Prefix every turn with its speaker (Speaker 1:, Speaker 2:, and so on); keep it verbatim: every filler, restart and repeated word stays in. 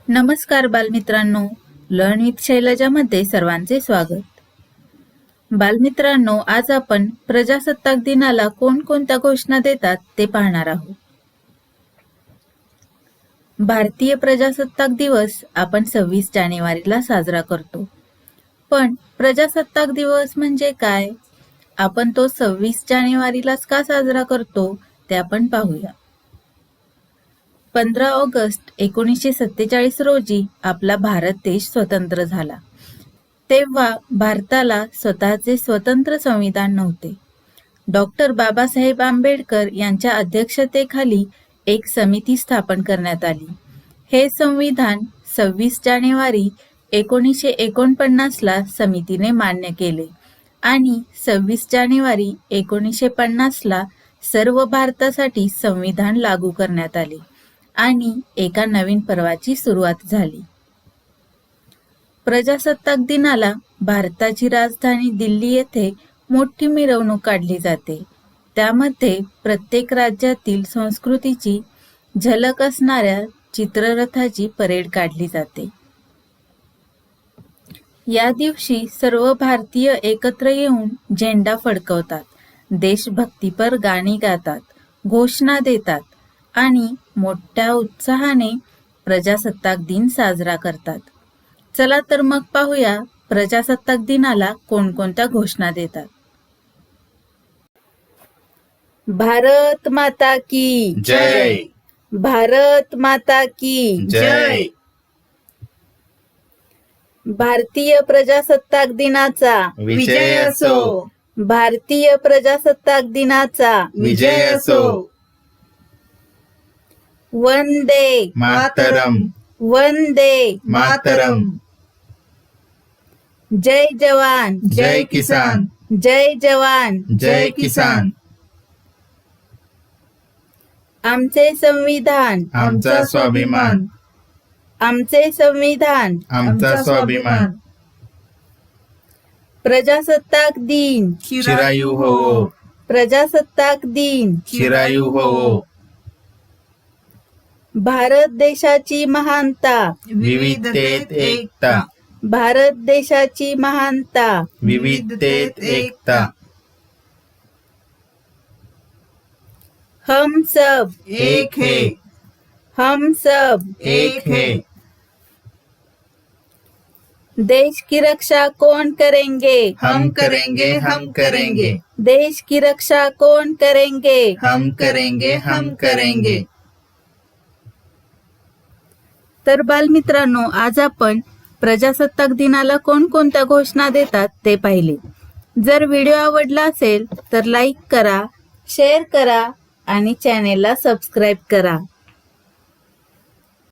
Speaker 1: नमस्कार बालमित्रांनो, learn with शैलजामध्ये सर्वांचे स्वागत. बालमित्रांनो, आज आपण प्रजासत्ताक दिनाला कोणकोणत्या घोषणा देतात ते पाहणार आहोत. भारतीय प्रजासत्ताक दिवस आपण सव्वीस जानेवारीला साजरा करतो. पण प्रजासत्ताक दिवस म्हणजे काय? आपण तो सव्वीस जानेवारीलाच का साजरा करतो ते आपण पाहूया. पंधरा ऑगस्ट एकोणीसशे सत्तेचाळीस रोजी आपला भारत देश स्वतंत्र झाला. तेव्हा भारताला स्वतःचे स्वतंत्र संविधान नव्हते. डॉक्टर बाबासाहेब आंबेडकर यांच्या अध्यक्षतेखाली एक समिती स्थापन करण्यात आली. हे संविधान सव्वीस जानेवारी एकोणीसशे एकोणपन्नासला समितीने मान्य केले आणि सव्वीस जानेवारी एकोणीसशे पन्नासला सर्व भारतासाठी संविधान लागू करण्यात आले आणि एका नवीन पर्वाची सुरुवात झाली. प्रजासत्ताक दिनाला भारताची राजधानी दिल्ली येथे मोठी मिरवणूक काढली जाते. त्यामध्ये प्रत्येक राज्यातील संस्कृतीची झलक असणाऱ्या चित्ररथाची परेड काढली जाते. या दिवशी सर्व भारतीय एकत्र येऊन झेंडा फडकवतात, देशभक्तीपर गाणी गातात, घोषणा देतात आणि मोठ्या उत्साहाने प्रजासत्ताक दिन साजरा करतात. चला तर मग पाहूया प्रजासत्ताक दिनाला कोणकोणत्या घोषणा देतात. भारत माता की
Speaker 2: जय.
Speaker 1: भारत माता की
Speaker 2: जय.
Speaker 1: भारतीय प्रजासत्ताक दिनाचा
Speaker 2: विजय असो.
Speaker 1: भारतीय प्रजासत्ताक दिनाचा
Speaker 2: विजय असो.
Speaker 1: वंदे
Speaker 2: मातरम.
Speaker 1: वंदे
Speaker 2: मातरम.
Speaker 1: जय जवान
Speaker 2: जय किसान.
Speaker 1: जय जवान
Speaker 2: जय किसान.
Speaker 1: आमचे संविधान
Speaker 2: आमचा स्वाभिमान.
Speaker 1: आमचे संविधान
Speaker 2: आमचा स्वाभिमान.
Speaker 1: प्रजासत्ताक दिन
Speaker 2: चिरायू होवो.
Speaker 1: प्रजासत्ताक दिन
Speaker 2: चिरायू होवो.
Speaker 1: भारत देशाची महानता
Speaker 2: विविधतेत एकता.
Speaker 1: भारत देशाची महानता
Speaker 2: विविधतेत एकता.
Speaker 1: हम सब
Speaker 2: एक है.
Speaker 1: हम सब
Speaker 2: एक है.
Speaker 1: देश की रक्षा कौन करेंगे?
Speaker 2: हम करेंगे. हम करेंगे.
Speaker 1: देश की रक्षा कौन करेंगे?
Speaker 2: हम करेंगे. हम करेंगे.
Speaker 1: तर बालमित्रांनो, आज आपण प्रजासत्ताक दिनाला कोणकोणत्या घोषणा देतात ते पाहिले. जर व्हिडिओ आवडला असेल तर लाईक करा, शेअर करा आणि चॅनेलला सबस्क्राईब करा.